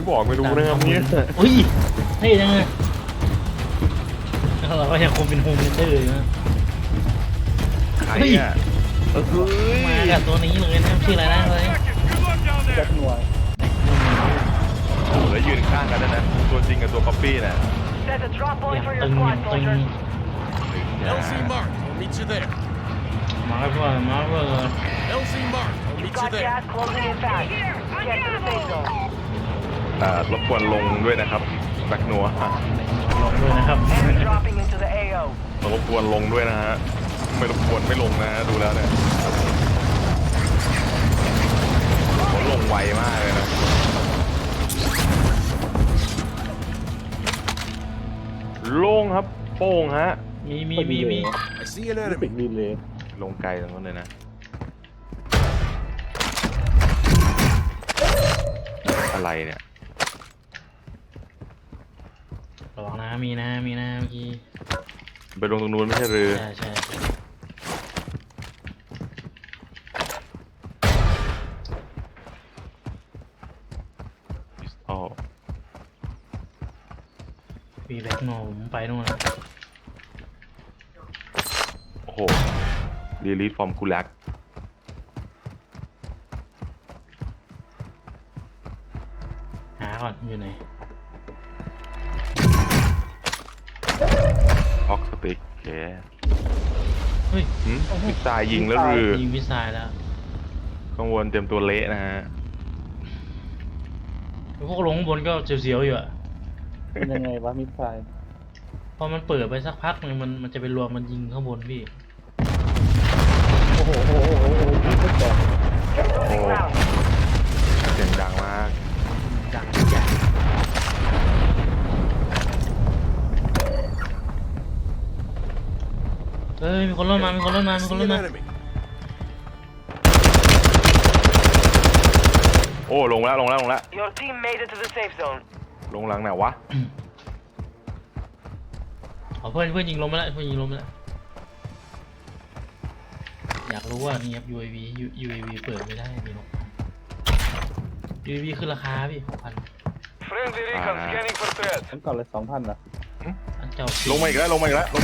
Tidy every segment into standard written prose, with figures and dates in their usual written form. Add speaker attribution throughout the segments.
Speaker 1: บอกไม่รู้นะครับเนี่ย
Speaker 2: อุ้ยเท่จังเลยเราก็ยังคงเป็นโฮมเลนเดอร์อยู่นะ
Speaker 1: ใครอ่ะ
Speaker 2: มากับตัวนี้เลยนะชื่ออะไรนะเลย
Speaker 3: แจ็คหน่วย
Speaker 1: แล้วยืนข้างกันนะตัวจริงกับตัวก๊อปปี้น่ะ
Speaker 2: อย่างตึงอย่างตึง
Speaker 4: LZ Mark, I'll meet you there.
Speaker 2: มาเพื่อมาเพื่อ
Speaker 4: LZ Mark, I'll meet you there.
Speaker 1: รบกวนลงด้วยนะครับแบ็คนัว
Speaker 2: ลงด้วยนะครับ
Speaker 1: รบกวนลงด้วยนะฮะไม่รบกวนไม่ลงนะฮะดูแล้วเนี่ยเขาลงไวมากเลยนะลงครับโป้งฮะ
Speaker 2: มี
Speaker 4: I see an
Speaker 3: ปิด
Speaker 4: enemy.
Speaker 3: ดีเลย
Speaker 1: ลงไกลตรงนั้นเลยนะอะไรเนี่ย
Speaker 2: ระวังนะมีนะเมื่อกี้
Speaker 1: ไปลงตรงนู้นไม่ใช่หรือ
Speaker 2: ใช่
Speaker 1: พิสตอล
Speaker 2: มีแบ็คโนผมไปนู่นนะ
Speaker 1: โอ้โหดีลีทฟอร์มคูลัก
Speaker 2: หาก่อนอยู่ไหน
Speaker 1: ออกสติกโอเค
Speaker 2: เฮ้ย
Speaker 1: พิซซ่ายิงแล้วหรือ
Speaker 2: ยิงวิสัยแล้ว
Speaker 1: กังวลเต็มตัวเละนะฮะ
Speaker 2: พวกลงข้างบนก็เสียวๆอยู่อะ
Speaker 3: เป็นยังไงวะมิสไซล์
Speaker 2: พอมันเปิดไปสักพักนึงมันจะไปรวมมันยิงข้างบนพี่
Speaker 3: โอ้โหไม่แตก
Speaker 1: โอ้เสียงดังมาก
Speaker 2: ดังทุกอย่างเฮ้ยมีคนรถมา
Speaker 4: I see an enemy.
Speaker 1: โอ้ลงแล้ว
Speaker 5: Your team made it to the safe zone.
Speaker 1: ลงหลังไหนวะ
Speaker 2: เอาเพื่อนยิงลงไปแล้วอยากรู้ว่านี่ครับ UAV เปิดไม่ได้มีนก UAV ขึ้นราคาพี่6,000
Speaker 5: Friendly recon scanning for threats.
Speaker 3: ฉันก่อนเลย2,000นะ
Speaker 2: อันเจ้า
Speaker 1: ลงมาอีกแล้ว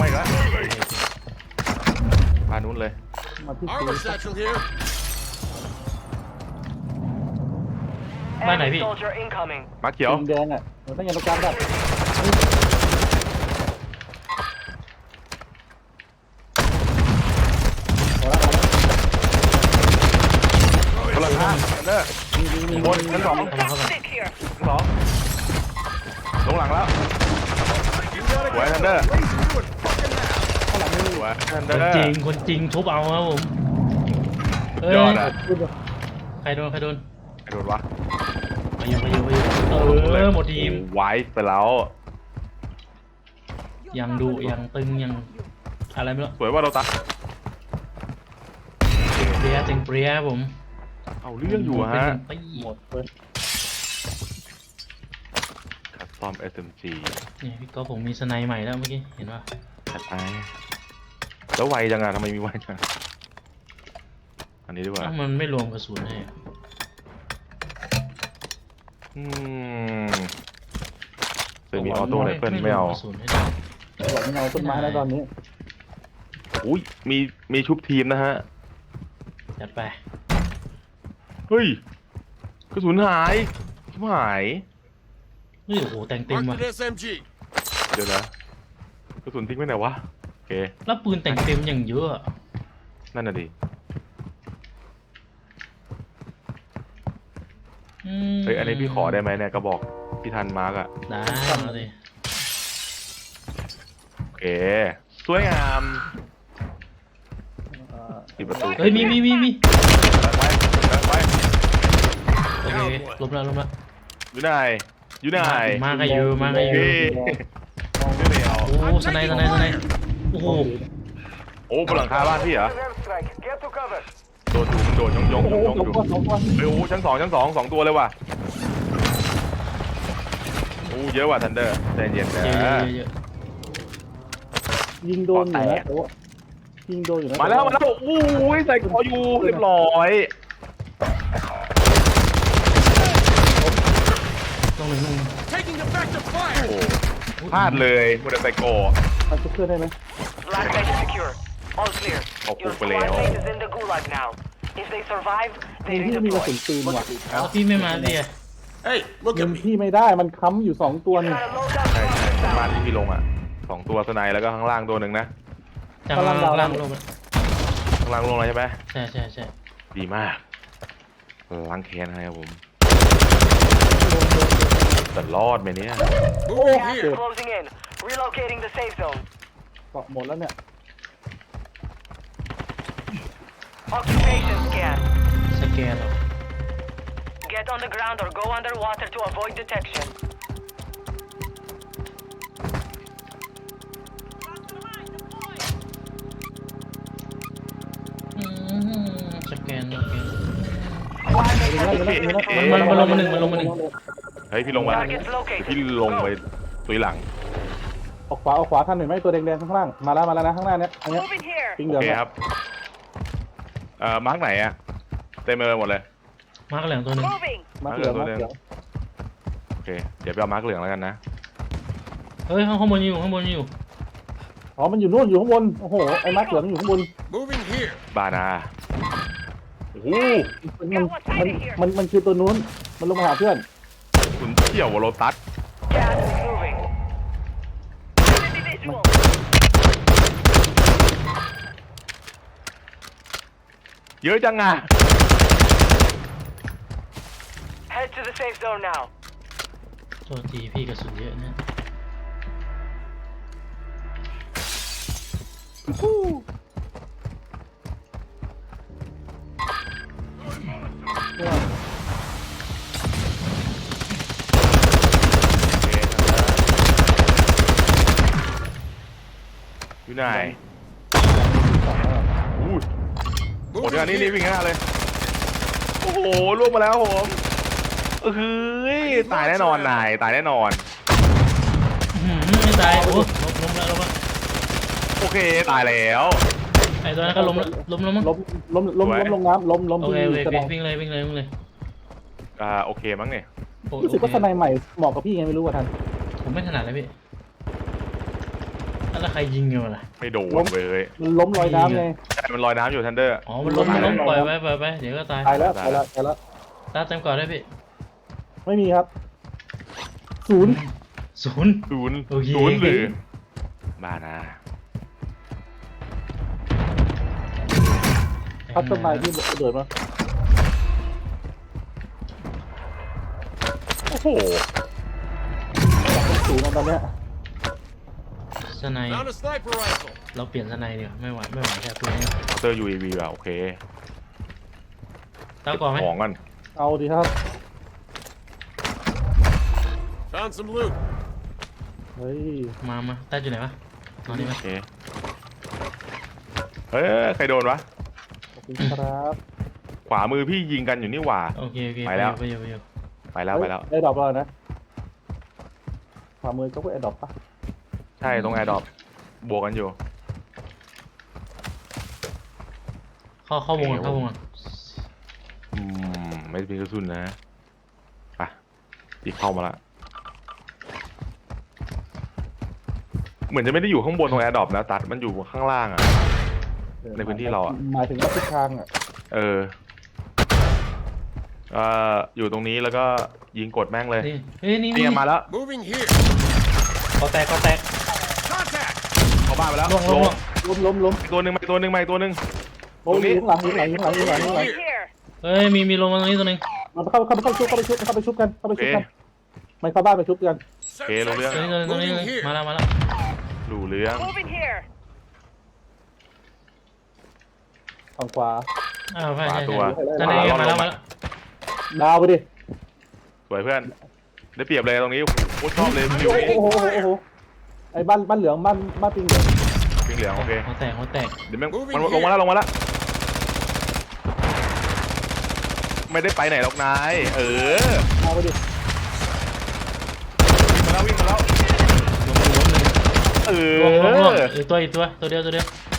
Speaker 1: พานู้นเลย
Speaker 3: มาที่
Speaker 4: Armor satchel here.
Speaker 2: บ้านไหนพี่
Speaker 5: Soldier incoming.
Speaker 1: มาเขียว
Speaker 3: แดงอ่ะมันต้องยังต้องการแบบ
Speaker 1: คนละข้างเด้อมีบนชั้นสอง
Speaker 5: Stick here.
Speaker 1: ลงหลังแล้วสวยทันเดอร์สวยทันเดอร์
Speaker 2: คนจริงทุบเอาครับผมเอ้ย
Speaker 1: ยอดอ่ะ
Speaker 2: ใครโดน
Speaker 1: ไอ้โดนวะ
Speaker 2: ไปอยู่หมดทีม
Speaker 1: ไว้ไปแล้ว
Speaker 2: ยังดุยังตึงยังอะไรไม่รู้
Speaker 1: สวยว่าเราตัด
Speaker 2: เปรี้ยเปรี้ยผม
Speaker 1: เอาเรื่องอยู่ฮะ
Speaker 2: เป็น
Speaker 3: หมดเลย
Speaker 1: คัสตอม SMG
Speaker 2: นี่พี่ก็ผมมีสไนใหม่แล้วเมื่อกี้เห็นป่ะ
Speaker 1: จัดไปแล้วไวจังอะทำไมมีไวจังอันนี้ดีกว่า
Speaker 2: มันไม่รวมกระสุนให้
Speaker 1: เคยมีออโต้ไรเฟิลไม่เอา
Speaker 3: หลังเงาต้นไม้แล้วตอนนี้
Speaker 1: อุ้ยมีชุบทีมนะฮะ
Speaker 2: จัดไป
Speaker 1: เฮ้ยกระสุนหายชิบหาย
Speaker 2: เฮ้ยโอ้โหแต่งเต็ม
Speaker 4: Marked
Speaker 2: ว่ะ
Speaker 4: an SMG.
Speaker 1: เดี๋ยวนะกระสุนทิ้งไว้ไหนวะโอเค
Speaker 2: แล้วปืนแต่งเต็มอย่างเยอะ
Speaker 1: นั่นน่ะดิเฮ้ยอันนี้พี่ขอได้ไหมเนี่ยกระบอกพี่ทันมาร์กอะ
Speaker 2: ได้มาเลย
Speaker 1: โอเคสวยงามปิดประตู
Speaker 2: เฮ้ยมี
Speaker 1: ไป
Speaker 2: โอเคลบแล้ว
Speaker 1: อยู่ไหน
Speaker 2: มากันอยู่
Speaker 1: พี่ไม่เอา
Speaker 2: โอ้สไนโอ้โห
Speaker 1: โอ้บนหลังคาบ้านพี่เหรอ
Speaker 5: Airstrike. Get to cover.
Speaker 1: โดนอยู่มันโดนยง
Speaker 3: โอ้โห
Speaker 1: อยู่
Speaker 3: สองคน
Speaker 1: เฮ้ยโอ้ชั้นสองตัวเลยว่ะโอ้เยอะว่ะทันเดอร์ใจเย็นนะ
Speaker 2: เยอะ
Speaker 3: ยิงโดนอยู่นะโอ้ยิงโดนอยู่นะ
Speaker 1: มาแล้วโอ้ยใส่คออยู่เรียบร้อย
Speaker 2: ต้องหนึ่ง
Speaker 1: โอ้พลาดเลยมูดใส่โก
Speaker 3: มาชุบเพื่อนได้ไหม
Speaker 5: Black site is secure. All clear.
Speaker 1: Oh,
Speaker 5: Your
Speaker 1: Kupaleo.
Speaker 5: squad mate is in the gulag now. If they survive,
Speaker 3: มี
Speaker 5: they
Speaker 3: ที่มีกระสุ
Speaker 5: redeploy.
Speaker 3: นปืนว่ะ
Speaker 2: แล้วพี่ไม่มาดิอ่ะ
Speaker 4: Hey, look
Speaker 3: ยิ
Speaker 4: at
Speaker 3: ง
Speaker 4: me.
Speaker 3: พี่ไม่ได้มันค้ำอยู่2ตัวนี่
Speaker 5: Got a loadout
Speaker 1: ใช่ใช่
Speaker 5: drop
Speaker 1: บ้าน
Speaker 5: inbound.
Speaker 1: ที่พี่ลงอ่ะ2 ตัวสไนแล้วก็ข้างล่างตัวหนึ่งนะ
Speaker 2: จาก
Speaker 3: กำลังดาว
Speaker 2: ล่างลง
Speaker 1: ข้างล่างลงเลยใช่ไหม
Speaker 2: ใช่ใช่ใช่
Speaker 1: ดีมากล้างแค้นให้ครับผมแต่รอดไหมเนี่ย
Speaker 4: Moving
Speaker 5: Gas is
Speaker 4: here.
Speaker 5: closing in. Relocating the safe zone.
Speaker 3: เกาะหมดแล้วเนี่ย
Speaker 5: Occupation scan.
Speaker 2: สแกนเหรอ
Speaker 5: Get on the ground or go underwater to avoid detection.
Speaker 2: สแกน
Speaker 5: Squad mate
Speaker 3: มันลง
Speaker 5: has
Speaker 3: มา
Speaker 5: been
Speaker 3: แล้ว
Speaker 2: มันลงมาหนึ่ง
Speaker 1: เฮ้ยพี่ลงมาแล้ว
Speaker 5: Targets
Speaker 1: เดี๋ยว
Speaker 5: located.
Speaker 1: พี่ลงไปตุยหลัง
Speaker 3: ออกขวาท่านเห็นไหมตัวแดงๆข้างล่างมาแล้วนะข้างหน้าเนี้ยอันเนี้ย
Speaker 5: Moving here.
Speaker 3: ปิงเห
Speaker 1: โอ
Speaker 3: ลือง
Speaker 1: เคครับมาร์กไหนอะเต็มไปหมดเลย
Speaker 2: มาร์กเหลืองตัวหนึ่ง
Speaker 5: Moving.
Speaker 3: มาเหลืองมาเหลือง
Speaker 1: โอเคเดี๋ยวไปเอามาร์กเหลืองแล้วกันนะ
Speaker 2: เฮ้ยข้างบนอยู่ข้างบนอยู่
Speaker 3: อ๋อมันอยู่นู่นอยู่ข้างบนโอ้โหไอ้มาเหลืองอยู่ข้างบน
Speaker 4: Moving here.
Speaker 1: บานาโอ้โห
Speaker 3: มันคือตัวนู้นมันลงมาหาเพื่อน
Speaker 1: คุณเที่ยววอลโลตัส
Speaker 5: Gas is moving. Enemy visual.
Speaker 1: เยอะจังอะ
Speaker 5: Head to the safe zone now.
Speaker 2: ตัวทีพี่กระสุนเยอะเนี่ย
Speaker 1: อยู่ไหนอู้หมด
Speaker 4: Moving
Speaker 1: งานนี่
Speaker 4: here.
Speaker 1: วิ่งหน้าเลย โอ้โหล่วงมาแล้วผมเฮ้ยตายแน่นอนนายตายแน่นอน
Speaker 2: ไม่ตายโอ้ล้มแล้วล้มแล้ว
Speaker 1: โอเคตายแล้ว
Speaker 2: ไอ้ตัวนั้นก็ล้มแล้วล้มแล้วมั้ง
Speaker 3: ล้มลงน้ำล้ม
Speaker 2: โอ
Speaker 3: ที่
Speaker 2: เคโอเค
Speaker 3: กระดอง
Speaker 2: วิ่งเลยวิ่งเลยวิ่งเลย
Speaker 1: โอเคมั้งเนี่ย
Speaker 3: รู้สึกว่าสไนใหม่เหมาะกับพี่ไงไม่รู้ว่าท่าน
Speaker 2: ผมไม่ถนัดเลยพี่แล้วใครยิงอยู่ล่ะ
Speaker 1: ไม่โดนเว้ย
Speaker 3: มันล้มลอยน้ำไง
Speaker 1: ใช่มันลอยน้ำอยู่ทันเดอร์
Speaker 2: อ๋อมันล้มปล่อยไปเดี๋ยวก็ตาย
Speaker 3: ตายแล้ว
Speaker 2: ตาเต็มก่อนได้พี่
Speaker 3: ไม่มีครับศูนย์
Speaker 2: ศูนย์
Speaker 1: ศูนย์
Speaker 2: โอเค
Speaker 1: ศูนย์หรือบ้านะ
Speaker 3: คัสตอมไมล์ที่เดือดมา
Speaker 1: โอ้โห
Speaker 3: ศูนย์ตอนเนี้ย
Speaker 2: สไน
Speaker 4: Found a sniper rifle.
Speaker 2: เราเปลี่ยนสไนเดี๋ยวไม่ไหวแค่ตัวนี้
Speaker 1: เตอร์ UAV ว่ะโอเค
Speaker 2: ตาก่อนไหม
Speaker 1: ของกัน
Speaker 3: เอาดีครับ
Speaker 4: Found some loot.
Speaker 3: เฮ้ย
Speaker 2: มาตาอยู่ไหนวะนอนนี่ไหม
Speaker 1: โอเคเฮ้ยใครโดนวะ
Speaker 3: ขอบคุณครับ
Speaker 1: ขวามือพี่ยิงกันอยู่นี่หว่า
Speaker 2: โอเคไปแล้ว
Speaker 1: ไปแล้ว
Speaker 3: ไอ้ดรอปแล้วนะขวามือก็ไอ้ดรอปปะ
Speaker 1: ใช่ตรงแอร์ดรอปบวกกันอยู่
Speaker 2: เข้าวงก่อน
Speaker 1: ไม่มีกระสุนนะไปอีกเข้ามาละเหมือนจะไม่ได้อยู่ข้างบนตรงแอร์ดรอปนะตัดมันอยู่ข้างล่างอ่ะ ในพื้นที่เราอะ
Speaker 3: หมายถึงว่าทิศทางอ่ะ
Speaker 1: อยู่ตรงนี้แล้วก็ยิงกดแม่งเลย
Speaker 2: นี่เฮ้ยนี่
Speaker 1: เนี่ยมาแล้ว
Speaker 4: Moving here.
Speaker 2: ก็แตก
Speaker 4: Contact.
Speaker 1: เข้าบ้านไปแล้ว
Speaker 2: ลง
Speaker 3: ล้ม
Speaker 1: อีกตัวหนึ่งมาอีกตัวหนึ่งมาอีกตัวหนึ่ง
Speaker 3: โอ้ยยิงหลัง
Speaker 5: Right here.
Speaker 2: เฮ้ยมีลงมาตรงนี้ตัวนึง
Speaker 3: มันเข้าไปชุบกันมันเข้าบ้านไปชุบกัน
Speaker 1: โอเครู้เรื่อง
Speaker 2: ตัวนี้มาแล้ว
Speaker 1: รู้เรื่อง
Speaker 5: Moving here.
Speaker 3: ฝั่งขวา
Speaker 2: อ้าวใช่
Speaker 1: ตัว
Speaker 2: ตอนนี้มาแล้ว
Speaker 3: ดาวไปดิ
Speaker 1: สวยเพื่อนได้เปรียบเลยตรงนี้โอ้ชอบเลยวิวนี้
Speaker 3: โอ้โหไอ้บ้านเหลืองบ้านปิงเหลือง
Speaker 1: ปิงเหลืองโอเค
Speaker 2: หัวแตก
Speaker 1: เดี๋ยวแม่งมันลงมาแล้วไม่ได้ไปไหนหรอกนาย
Speaker 3: ดาวไปดิ
Speaker 1: วิ่งมาแล้ว
Speaker 2: ลงอีกตัวเดียว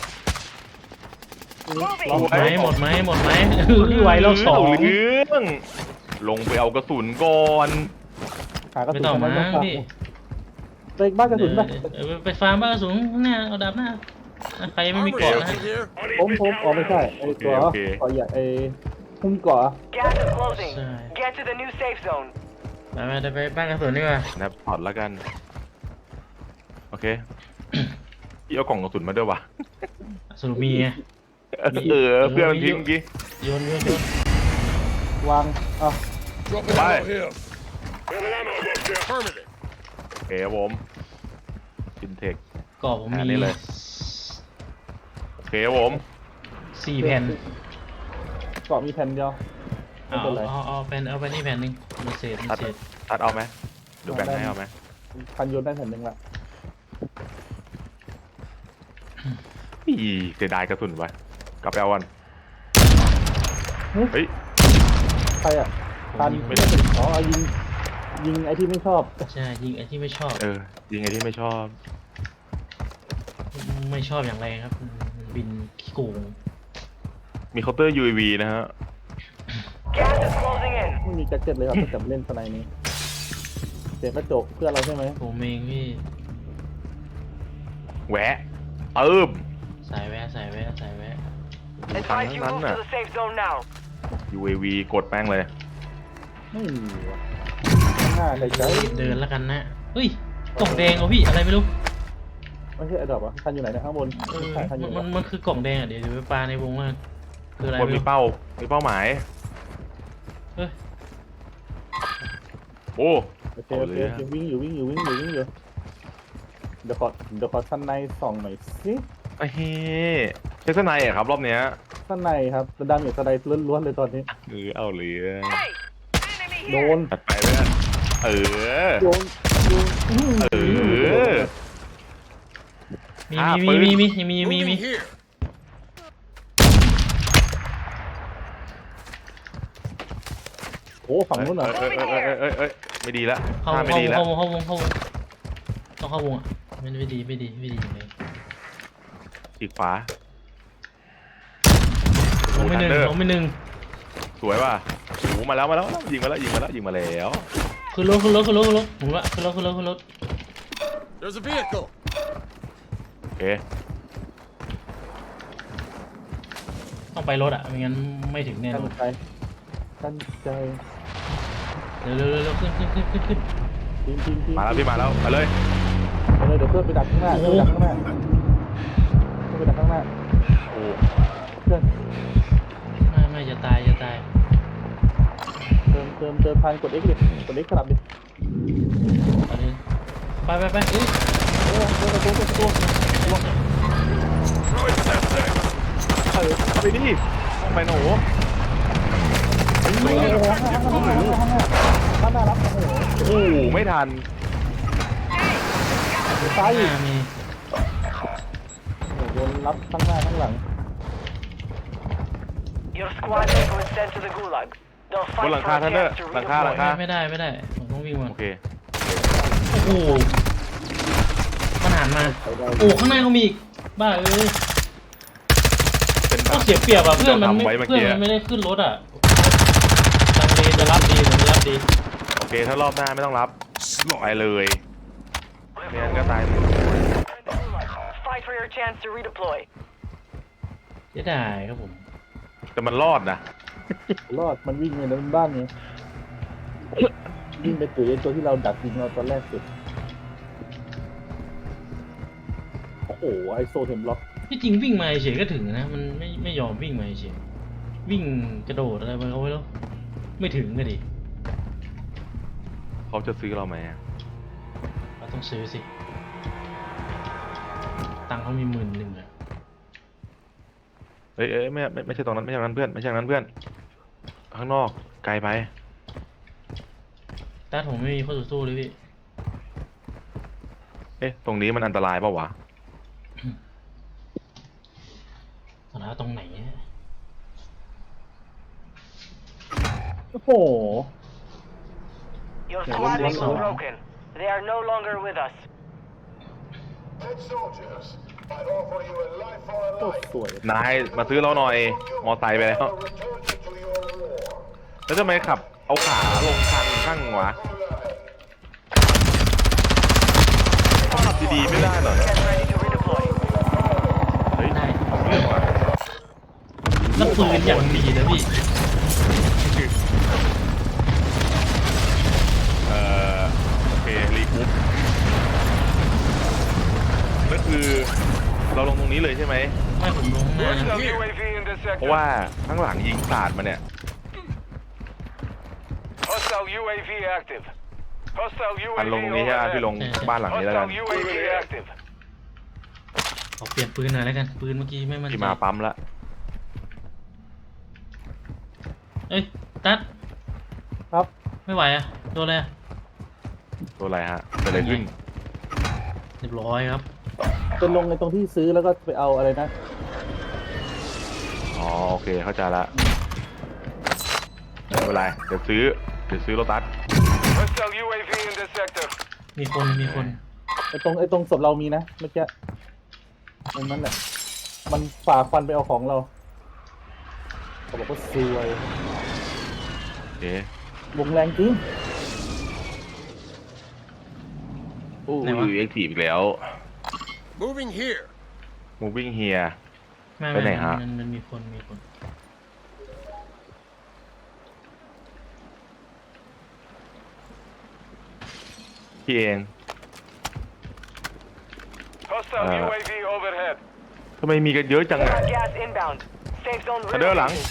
Speaker 2: หมดไหมไหวแล้ว2
Speaker 1: เรื่องลงไปเอากระสุนก่อน
Speaker 3: หากระ
Speaker 2: ไม่
Speaker 3: สุน
Speaker 2: ต้องมา
Speaker 3: ไม่ต้อง
Speaker 2: พี่
Speaker 3: เตะบ้านกระสุนไป
Speaker 2: ไปฟาร์มบ้านกระสุนข้างหน้าเอาดาบหน้าใครไม่มี
Speaker 4: Armor
Speaker 2: เกาะนะ
Speaker 4: station here.
Speaker 3: ผมอ๋อไม่ใช่ไอ้ตัวต่อใหญ่ไอ้หุ้มเกาะ
Speaker 5: Gas is closing.
Speaker 2: Sorry.
Speaker 5: Get to the new safe zone.
Speaker 2: ไปบ้านกระสุนดีกว่า
Speaker 1: นับพอร์ตแล้วกัน โอเค พี่เอากล่องกระสุนมาด้วยวะ
Speaker 2: สรุปมีไง
Speaker 1: เพื่อนมันทิ้งเมื่อกี้
Speaker 2: โยน
Speaker 3: วางอ่ะ
Speaker 4: Dropping
Speaker 1: Bye.
Speaker 4: ammo here. Affirmative.
Speaker 1: โอเคครับผมฟินเทค
Speaker 2: กรอบผม
Speaker 1: อัน
Speaker 2: มี
Speaker 1: นี้เลย โอเคครับผม
Speaker 2: 4 แผ่น
Speaker 3: เกาะมีแผ่นเดียวไม่เป็นไร
Speaker 2: เอาไปนี่แผ่นหนึงมันเศษ
Speaker 1: ตัดเอาไหมเดี๋ยวแบ่งให้เอาไหม
Speaker 3: พันโยนได้แผ่นหนึ่งละ
Speaker 1: อีเสียดายกระสุนวะกลับไปเอาวันเฮ้ย
Speaker 3: ใครอ่ะพันไม่ได้อ๋อเอายิงไอ้ที่ไม่ชอบ
Speaker 2: ใช่ยิงไอ้ที่ไม่ชอบ
Speaker 1: ยิงไอ้ที่ไม่ชอบ
Speaker 2: ไม่ชอบอย่างไรครับมันบินขี้โกง
Speaker 1: มีเคาน์เตอร์ UAV นะฮะ
Speaker 5: Gas is closing in.
Speaker 3: ไม่มีแจ็คเก็ตเลยครับตั้งแต่เล่นสไนนี้เสียงกระจกเพื่อนเราใช่ไหม
Speaker 2: ผมเองพี่
Speaker 1: แหวะ
Speaker 2: สายแวะ
Speaker 5: Advise you move to the safe zone now.
Speaker 1: UAV กดแป้งเลย
Speaker 3: ไม่มีว่ะข้างหน้าใครใช้
Speaker 2: เดินแล้วกันนะเฮ้ยกล่องแดงเหรอพี่อะไรไม่รู้
Speaker 3: ไม่ใช่ไอ้ดอกวะคันอยู่ไหนเนี่ยข้างบนไม่ใช่คันอยู่ไหน
Speaker 2: มันคือกล่องแดงอ่ะเดี๋ยวไปปาในวงว่าคืออะไร
Speaker 1: คน
Speaker 2: ไม่
Speaker 1: มี
Speaker 2: รู้
Speaker 1: เป้าหมาย
Speaker 2: เฮ้ย
Speaker 1: โอ้
Speaker 3: โอเควิ่งอยู่เดี๋ยวขอสั้นในส่องหน่อยสิ
Speaker 1: ไอ้เฮ้ใช้สไนด์อะครับรอบเนี้ย
Speaker 3: สั้นในครับระดับอย่างสไนล้วนๆเลยตอนนี้
Speaker 1: เอาเหลือ
Speaker 5: Hey, enemy
Speaker 3: โด
Speaker 5: here.
Speaker 3: น
Speaker 1: ตัดไปเลยนะ
Speaker 3: โ
Speaker 1: เออ
Speaker 3: ดน
Speaker 2: มี
Speaker 4: Moving here.
Speaker 3: โอ้ฝั่งนู้นเหรอ
Speaker 1: ไม่ดีละ
Speaker 2: เข้า
Speaker 1: ไม่ดีละ
Speaker 2: วงต้องเข้าวงอ่ะไม่ดีอย่างไร
Speaker 1: อีกขวา
Speaker 2: ลงไม่หนึ่ง
Speaker 1: สวยป่ะโอ้มาแล้วยิงมาแล้ว
Speaker 2: ขึ้นรถหมุนละขึ้นรถ
Speaker 4: There's a vehicle.
Speaker 1: โอเค
Speaker 2: ต้องไปรถอ่ะไม่งั้นไม่ถึงแน่น
Speaker 3: ตั้
Speaker 2: อง น
Speaker 3: ใจตั้งใจ
Speaker 2: เร็วขึ้น
Speaker 3: จริง
Speaker 1: มาแล้วพี่มาแล้วไปเลย
Speaker 3: ไปเลยเดี๋ยวเพื่อนไปดักข้างหน้า
Speaker 1: โอ้
Speaker 3: เพื่อนไปดักข้างหน้า
Speaker 1: โอ้
Speaker 3: เพื่อน
Speaker 2: ไม่จะตาย
Speaker 3: เติมพันกด X ดิกด X สลับดิ
Speaker 2: ตอนนี้ไปเอ้ย
Speaker 3: เดินประตู
Speaker 4: Throwing sensei.
Speaker 1: ไปดิไปหนู
Speaker 3: ข้างหน้ารับโอ้โห
Speaker 1: โอ้ไม่ทัน
Speaker 3: ซ้าย
Speaker 2: ห
Speaker 3: อีก
Speaker 2: น้ามี
Speaker 3: โดนรับข้างหน้าข้างหลัง
Speaker 5: Your squad mate was sent to the gulag. They'll
Speaker 1: บน
Speaker 5: fight
Speaker 1: หลัง
Speaker 5: for
Speaker 1: คา
Speaker 5: a
Speaker 1: ท่านเนอร์
Speaker 5: chance to
Speaker 1: หลังคา
Speaker 5: redeploy.
Speaker 2: ไม่ได้ผมต้องวิ่งมา
Speaker 1: โอเค
Speaker 2: โอ้โหมันหันมาโอ้ข้างหน้าก็มีอีกบ้าเอ้ย
Speaker 1: เป็นแบ
Speaker 2: ก็
Speaker 1: บ
Speaker 2: เสียเปรียบอ่ะเพื่อนมัน
Speaker 1: ทำไว้เมื่อกี้
Speaker 2: ไม่ได้ขึ้นรถอ่ะตังเดจะรับดีหรือไม่รับดี
Speaker 1: โอเคถ้ารอบหน้าไม่ต้องรับไปเลยไม่งั้นก็ตาย
Speaker 5: Fight for your chance to redeploy.
Speaker 2: จะได้ครับผม
Speaker 1: แต่มันรอดนะ
Speaker 3: รอดมันวิ่งไปในบ้านไงวิ่งไปตุ๋ยไอ้ตัวที่เราดักยิงเราตอนแรกสุดโอ้โหไอโซเทมล็อก
Speaker 2: ที่จริงวิ่งมาเฉยก็ถึงนะมันไม่ยอมวิ่งมาเฉยวิ่งกระโดดอะไรไปเขาไว้แล้วไม่ถึงก็ดิ
Speaker 1: เขาจะซื้อเราไหมอะ
Speaker 2: เราต้องซื้อสิตังค์เขามี10,000อ่ะ
Speaker 1: เอ้ยไม่ใช่ตรงนั้นไม่ใช่ตรงนั้นเพื่อนไม่ใช่ตรงนั้นเพื่อนข้างนอกไกลไป
Speaker 2: แต่ผมไม่มีข้อต่อสู้เลยพี่
Speaker 1: ตรงนี้มันอันตรายเปล่าวะ
Speaker 2: ตอนนั้นตรงไหนเนี่ย
Speaker 3: โอ้โห
Speaker 5: Your
Speaker 3: Yeah,
Speaker 5: squad
Speaker 3: one
Speaker 5: mate was
Speaker 3: more.
Speaker 5: broken. They are no longer with us.
Speaker 6: Head soldiers, I offer you a life for a
Speaker 3: โคตร
Speaker 6: life.
Speaker 3: สวย
Speaker 1: นายมาซื้อเราหน่อยมอไซค์ไปแล้ว
Speaker 6: I'll return you to your war.
Speaker 1: แล้วทำไมขับเอาขาลงทางข้างวะดีๆไม่ได้เหรอ
Speaker 5: Get ready to redeploy.
Speaker 1: เฮ้ย
Speaker 2: ได้
Speaker 1: เรื่องว่ะ
Speaker 2: แล้วปืนอย่างดีนะพี่
Speaker 1: โอเครีกรุ๊ปก็คือเราลงตรงนี้เลยใช่ไหม
Speaker 2: ไม่ผมลงข้างหน้านะ
Speaker 6: Hostile UAV in this
Speaker 1: เพราะ
Speaker 6: sector.
Speaker 1: ว่าข้างหลังยิงสาดมาเนี่ย
Speaker 6: Hostile UAV active. Hostile
Speaker 1: อัน
Speaker 6: UAV
Speaker 1: ลงตรงนี้ใช่ไหมพี่ล
Speaker 6: overhead.
Speaker 1: งบ้านหลังนี้แล้วกัน
Speaker 6: Hostile UAV active.
Speaker 2: ขอเปลี่ยนปืนหน่อยแล้วกัน ปืนเมื่อกี้ไม่มั่น
Speaker 1: ที่
Speaker 2: ใจ
Speaker 1: มาปั๊มละ
Speaker 2: เอ้ย ตัด
Speaker 3: ครับ
Speaker 2: ไม่ไหวอะโดนอะไรอะ
Speaker 1: ตัวอะไรฮะเป็นอะไรขึ้น
Speaker 2: เรียบร้อยครับ
Speaker 3: เป็นลงในตรงที่ซื้อแล้วก็ไปเอาอะไรนะ
Speaker 1: อ๋อโอเคเข้าใจละไม่เป็นไรเดี๋ยวซื้อรถตัส
Speaker 6: Hostile UAV in this sector.
Speaker 2: มีคน
Speaker 3: ไอ้ตรงศพเรามีนะเมื่อกี้ตรงนั้นแหละมันฝ่าควันไปเอาของเราเขาบอกว่าซวย
Speaker 1: โอเคว
Speaker 3: งแรงจริง
Speaker 1: โอ้ยเอ็กทีฟอีกแล้ว
Speaker 4: Moving here.
Speaker 1: moving here
Speaker 2: ไม่
Speaker 1: ไปไหนฮะ
Speaker 2: มันมีคน
Speaker 1: พี่เอง
Speaker 6: Hostile UAV overhead.
Speaker 1: ทำไมมีกันเยอะจังอะ
Speaker 5: Gas inbound. Safe zone
Speaker 1: ทันเดอร์หลัง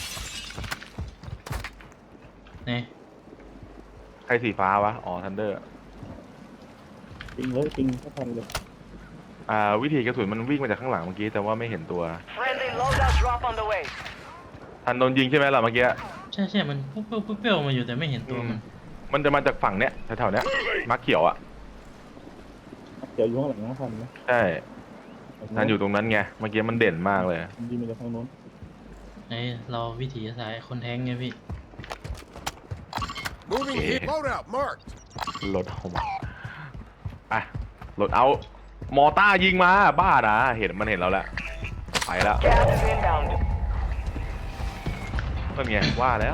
Speaker 5: relocated.
Speaker 2: นี่
Speaker 1: ใครสีฟ้าวะ อ๋อทันเดอร์
Speaker 3: จริงเลยจริงก็ทันเลย
Speaker 1: วิธีกระสุนมันวิ่งมาจากข้างหลังเมื่อกี้แต่ว่าไม่เห็นตัว
Speaker 5: Friendly loadout drop on the way.
Speaker 1: ทันโดนยิงใช่ไหมล่ะเมื่อกี้
Speaker 2: ใช่มันเปรี้ยวมาอยู่แต่ไม่เห็นตัวมัน
Speaker 1: มันจะมาจากฝั่งเนี้ยแถวๆเนี้ยมาร์คเขียวอ่ะ
Speaker 3: เดี๋ยวอยู่ข้างหลังนะทันนะ
Speaker 1: ใช่ทันอยู่ตรงนั้นไงเมื่อกี้มันเด่นมากเลย
Speaker 3: มันยิงมาจากทางโน้น
Speaker 2: ไอ้เราวิถีสายคนแท้งไงพี่
Speaker 4: Moving
Speaker 1: Okay.
Speaker 4: here. Loadout marked.
Speaker 1: รถเอามาอ่ะรถเอามอต้ายิงมาบ้านะเห็นมันเห็นเราแล้วไปแล้ว
Speaker 5: Gas is inbound.
Speaker 1: ก็ไงว่าแล้ว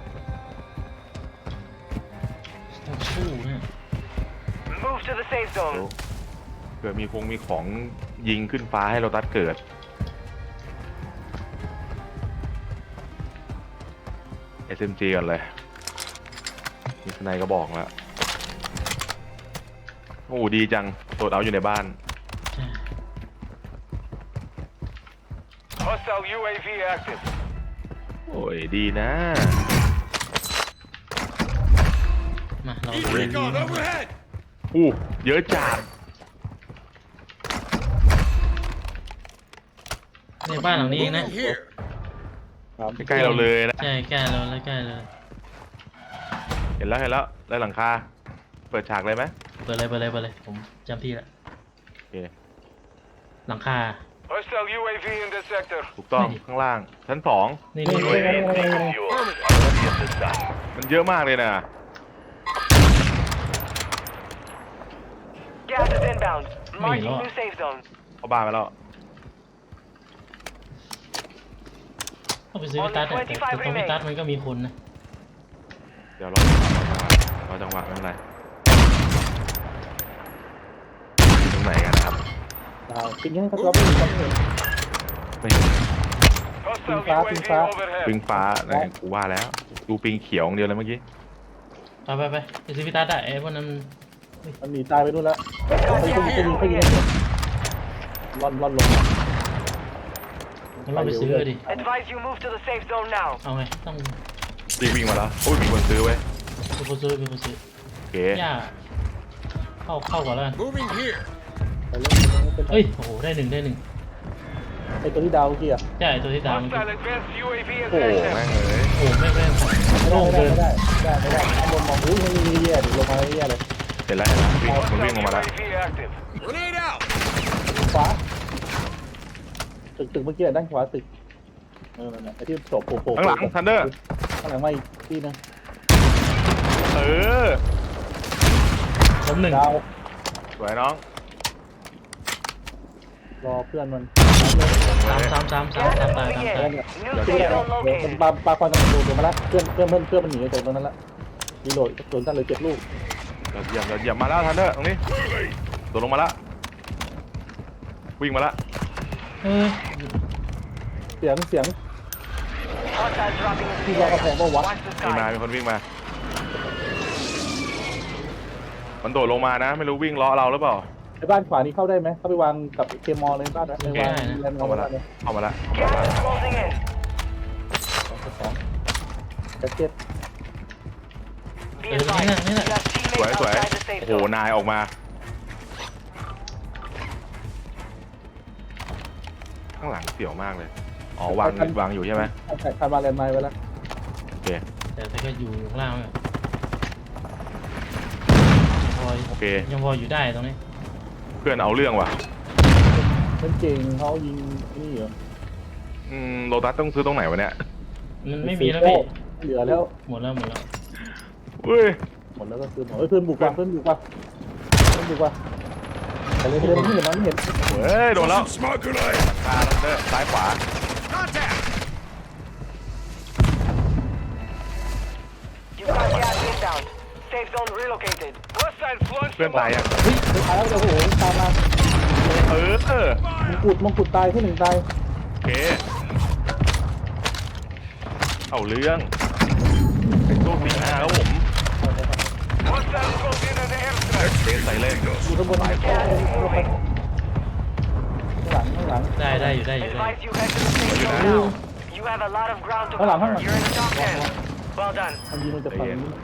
Speaker 2: ต้องสู้เนี่ย
Speaker 5: Move to the safe
Speaker 1: เดี๋ยว
Speaker 5: zone.
Speaker 1: เกิดมีของยิงขึ้นฟ้าให้เราตัดเกิด SMG ก่อนเลยมีสไนก็บอกแล้วโอ้ดีจังโดดเอาอยู่ในบ้าน
Speaker 2: ใช่
Speaker 6: Hostile UAV active.
Speaker 1: โอ้ยดีนะ
Speaker 2: มาเรา
Speaker 4: East
Speaker 2: เรียน
Speaker 4: recon overhead.
Speaker 1: อู้เยอะจัด
Speaker 2: ในบ้านหลังนี้เองนะ
Speaker 4: Moving here.
Speaker 3: ครับ
Speaker 1: ใกล้ๆเราเลยนะ
Speaker 2: ใช่ใกล้เราแล้วใกล้เลย
Speaker 1: เห็นแล้วได้หลังคาเปิดฉากเลยไหม
Speaker 2: เปิดเลยผมจำที่ละ
Speaker 1: โอเค
Speaker 2: หลังคา
Speaker 6: Hostile UAV in this sector.
Speaker 1: ถูกต้อง
Speaker 2: ไม่ดิ
Speaker 1: ข้างล่างชั้นสอง
Speaker 2: นี่
Speaker 3: นี่
Speaker 2: นี่
Speaker 3: นี่นี่นี่นี่
Speaker 1: มันเยอะมากเลยนะ
Speaker 5: Gas is inbound. Marking new safe zone.
Speaker 1: เข้าบ้านมาแล้ว
Speaker 2: เข้าไปซื้อพิตัสอะแต่ตรงพิตัสมันก็มีคนนะ
Speaker 1: เดี๋ยวรอจังหวะไม่เป็นไรตรงไหนกันนะครับ
Speaker 3: ดาวปิงให้เขาไม่เห็นเขาไม่เห็น
Speaker 1: ไม่เห็น
Speaker 6: Hostile
Speaker 3: Ping
Speaker 6: UAV
Speaker 3: phá.
Speaker 1: ปิง
Speaker 6: overhead.
Speaker 1: ฟ้าไหนกูว่าแล้ว ดูปิงเขียวอย่างเดียวเลยเมื่อกี้
Speaker 2: ไปซื้อพิตัสอะไอ้พวกนั้น
Speaker 3: มันหนีตายไปนู่นแล้วเขายิงร่อนลง
Speaker 2: มันเราไปซื้อดิ
Speaker 5: Advise you move to the safe zone now.
Speaker 2: เอาไงต้อง
Speaker 1: วิ่งมาแล้วโอ้ยมีคนซื้อไว้ย
Speaker 2: เป็นคนซื้อ
Speaker 1: โอเค
Speaker 2: ย่าเข้าก่อนแล้วกัน
Speaker 4: Moving here.
Speaker 3: ไปเล่นเป็น
Speaker 2: เอ้ยโอ้โหได้หนึ่ง
Speaker 3: ไอตัวที่ดาวเมื่อกี้อ่ะ
Speaker 2: ใช่ตัวที่ดาวมัน
Speaker 6: Hostile advanced UAV
Speaker 1: โอ้
Speaker 6: is
Speaker 1: แม่ง
Speaker 6: active.
Speaker 1: เอ้ย
Speaker 2: โอ้ไม่
Speaker 3: ไม่
Speaker 2: โล่ง
Speaker 3: ได้
Speaker 2: เกิน
Speaker 3: ไม่ได้ข้างบนมองอุ้ยมันมีแย่ดิลงมาแย่เลย
Speaker 1: เห็นแล้วมันวิ่ง
Speaker 6: Hostile
Speaker 1: ลงมาแล้ว
Speaker 6: UAV active.
Speaker 4: Grenade out.
Speaker 3: ขวาตึกเมื่อกี้ด้านขวาตึกนั่นไอที่โผล่
Speaker 1: ข้างหลังทันเดอร์
Speaker 3: ข้างหลังมาอีกที่นึง
Speaker 1: เออ
Speaker 2: ล้มหนึ่ง
Speaker 3: ดาว
Speaker 1: สวยน้อง
Speaker 3: รอเพื่อนมัน
Speaker 2: สามตาย
Speaker 5: Gas is moving in. New safe zone
Speaker 3: มัน
Speaker 5: located.
Speaker 3: ปาควันกันดูมาแล้วเพื่อนมันหนีจากตรงนั้นละรีโหลดโดนตั้งเลย7 ลูก
Speaker 1: ยอดเยี่ยมมาแล้วทันเดอร์ตรงนี้โดดลงมาแล้ววิ่งมาละ
Speaker 2: เออ
Speaker 3: เสียง
Speaker 5: Hostiles dropping into the
Speaker 3: He's like a
Speaker 5: area.
Speaker 3: bomber, what?
Speaker 5: Watch the
Speaker 1: มีมา
Speaker 5: sky.
Speaker 1: มีคนวิ่งมา มันโดดลงมานะ ไม่รู้วิ่งล้อเราหรือเปล่า
Speaker 3: ไอ้บ้านขวานี้เข้าได้ไหมเข้าไปวางกับเคมอลเลยบ้านนะไปวางแลนด์มอ
Speaker 1: เข้า
Speaker 3: ล
Speaker 1: มาละ
Speaker 3: เลย
Speaker 1: เข้ามาละ
Speaker 5: Gas is closing in.
Speaker 3: 2แจ็คเก็ต
Speaker 5: Be
Speaker 2: There's
Speaker 5: advised,
Speaker 2: another,
Speaker 5: you have
Speaker 1: สวย
Speaker 5: teammates
Speaker 1: สวย
Speaker 5: outside the safe
Speaker 1: โอ้โห
Speaker 5: zone.
Speaker 1: นายออกมา ข้างหลังเสี่ยวมากเลย อ๋อ วางอยู่ใช่ไหม
Speaker 3: ใช่คาร์บาแลนด์ไม้ไว้แล้ว
Speaker 1: โอเค
Speaker 2: แต่ก็อยู่ข้างล่างเนี่ยพอ
Speaker 1: โอเค
Speaker 2: ยังพออยู่ได้ตรงนี้
Speaker 1: เพื่อนเอาเรื่องว่ะ
Speaker 3: เป็นเก่งเขายิงนี่เหรอ
Speaker 1: โลตัสต้องซื้อตรงไหนวะเนี่ย
Speaker 2: มันไม่มีแล้วพี่
Speaker 3: เหลือแล้ว
Speaker 2: หมดแล้ว
Speaker 1: เฮ้ย
Speaker 3: หมดแล้วก็คือหมดเพื่อนบุกว่ะแต่เลยไม่เห็นมันไม่เห็น
Speaker 1: เฮ้ย โดนแล้ว
Speaker 4: Tossing smoke grenade.
Speaker 1: ตาแล้วเด้อซ้ายขวา
Speaker 4: Contact.
Speaker 5: You've got gas inbound. Safe zone relocated. Hostile flush
Speaker 1: เพื่อนตายยัง
Speaker 3: เฮ้ยไปตายแล้วโอ้โหตามมา
Speaker 1: เออ
Speaker 3: มงกุฎตายที่หนึ่งตาย
Speaker 1: โอเค เอาเรื่องไอ้ตู้สีหน้าครับผม
Speaker 4: Hostile close in on the airstrike.
Speaker 1: เบสใส่เล่น
Speaker 3: อยู่ข้างบน
Speaker 1: ซ้ายขวา
Speaker 3: ข้างหลัง
Speaker 2: ได้อยู่ได้
Speaker 5: Advise you head to the safe zone now. You have a lot of ground to
Speaker 3: Hold on,
Speaker 5: cover.
Speaker 3: hold on.
Speaker 5: You're in the top 10. Well done.
Speaker 3: มันยิงมันจะฝั่งนี้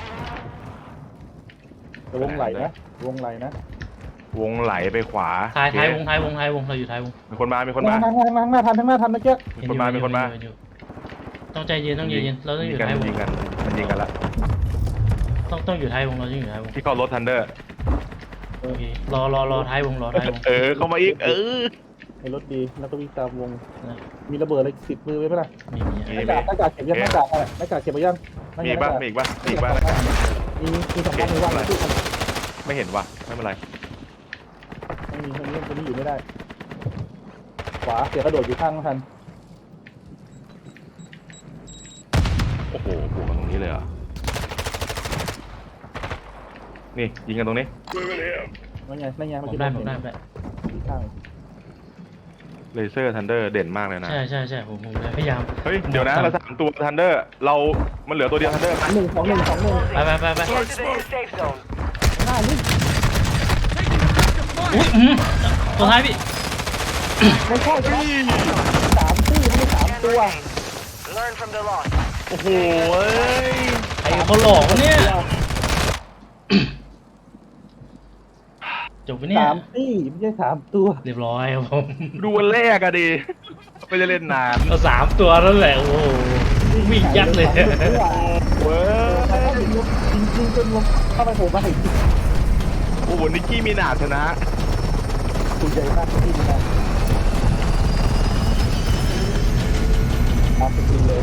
Speaker 3: แต่วงไหลนะ
Speaker 1: วงไหลไปขวา
Speaker 2: ท้าย
Speaker 1: โอเคว
Speaker 2: งเราอยู่ท้ายวง
Speaker 1: มีคนมา มีคนมา
Speaker 3: ทางหน้าทันเมื่อกี้
Speaker 1: มีคนมา มีคนมา
Speaker 2: เห็อยู่ต้องใจเย็นเราต้องอยู่
Speaker 1: กัน
Speaker 2: ท้ายวง
Speaker 1: ยิงกัน มันยิงกันละ
Speaker 2: ต้องอยู่ท้ายวงเราต้องอยู่ท้ายวง
Speaker 1: ที่เข้ารถทันเดอร์
Speaker 2: โอเครอท้ายวง
Speaker 1: เข้ามาอีก
Speaker 3: ในรถดีแล้วก็วิ่งตามวง
Speaker 2: นะ
Speaker 3: มีระเบิดอะไรติดมือไว้ไหมล่ะ
Speaker 2: มี
Speaker 3: หน้ากากเก็บยังหน้ากากอะไรหน้ากากเก็บไปยัง
Speaker 1: มีอีกบ้างมีอีกบ้างมีอีกบ้าง
Speaker 3: มีสองพันหนึ่งวันตู้
Speaker 1: ไม่เห็นว่ะ ไม่เป็นไร
Speaker 3: ไม่มีคนนี้อยู่ไม่ได้ ขวาเสียกระโดดอยู่ข้างทัน
Speaker 1: โอ้โหบวกกันตรงนี้เลยเหรอ นี่ยิงกันตรงนี้
Speaker 4: Moving here.
Speaker 3: นั่นไง
Speaker 2: ผมได้
Speaker 3: อยู่ข้าง
Speaker 1: เลเซอร์ทันเดอร์เด่นมากเลยนะ
Speaker 2: ใช่ผมพยายาม
Speaker 1: เฮ้ย เดี๋ยวนะเรา3 ตัวทันเดอร์ มันเหลือตัวเดียวทันเดอร์
Speaker 3: หนึ่ง
Speaker 2: ไป
Speaker 5: Get to the new safe zone.
Speaker 3: หน้านี่
Speaker 2: อุ้ยตัวท้ายพี่
Speaker 3: ไม่ใช่ครับสามตี้ไม่ใช่สาม
Speaker 5: Can
Speaker 3: ตัว
Speaker 5: remain. Learn from the loss.
Speaker 1: โอ้โหเอ้ย
Speaker 2: ไอ้คนหลอกเนี่ยจบไปเนี่ย
Speaker 3: สามตี้ไม่ใช่สามตัว
Speaker 2: เรียบร้อยครับผม
Speaker 1: ดูวันแรกอะดิ ไม่ได้เล่นนาน
Speaker 2: เอา3 ตัวนั่นแหละโอ้โหวิ่งยัดเลย
Speaker 1: เว้ย
Speaker 3: จริงๆจนลงเข้าไปโผล่มาอีก
Speaker 1: โอ้โหนิกกี้มีนาชนะ
Speaker 3: ตัวใหญ่มากที่นี่นะตามไปกินเลย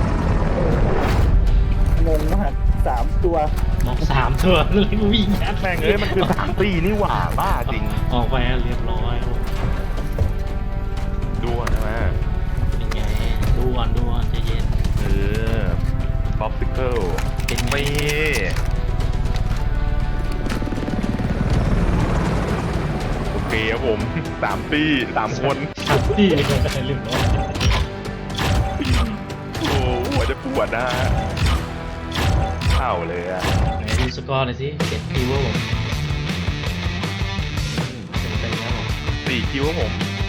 Speaker 3: งงมาก3 ตัว
Speaker 2: มอง3 ตัวเลยวิ่งยัด
Speaker 1: แม่งเอ้ยมันคือ3 ตีนี่หว่าบ้าจริง
Speaker 2: ออกไปเรียบร้อยครับผม
Speaker 1: ดูอ่ะใช่ไหม
Speaker 2: เป็นไงดูก่อนใจเย็น
Speaker 1: ป๊อปซิเคิล
Speaker 2: เป็นไง
Speaker 1: ไม่โอเคครับผม3 ตี3 คน
Speaker 2: ที่เรียบร้อย
Speaker 1: โอ้หัวจะปวดนะเข้าเลยอ่ะ
Speaker 2: ไหนดูสกอร์หน่อยสิ7 คิวครับผมเป็นไปแล้วผม
Speaker 1: 4 คิวครับผม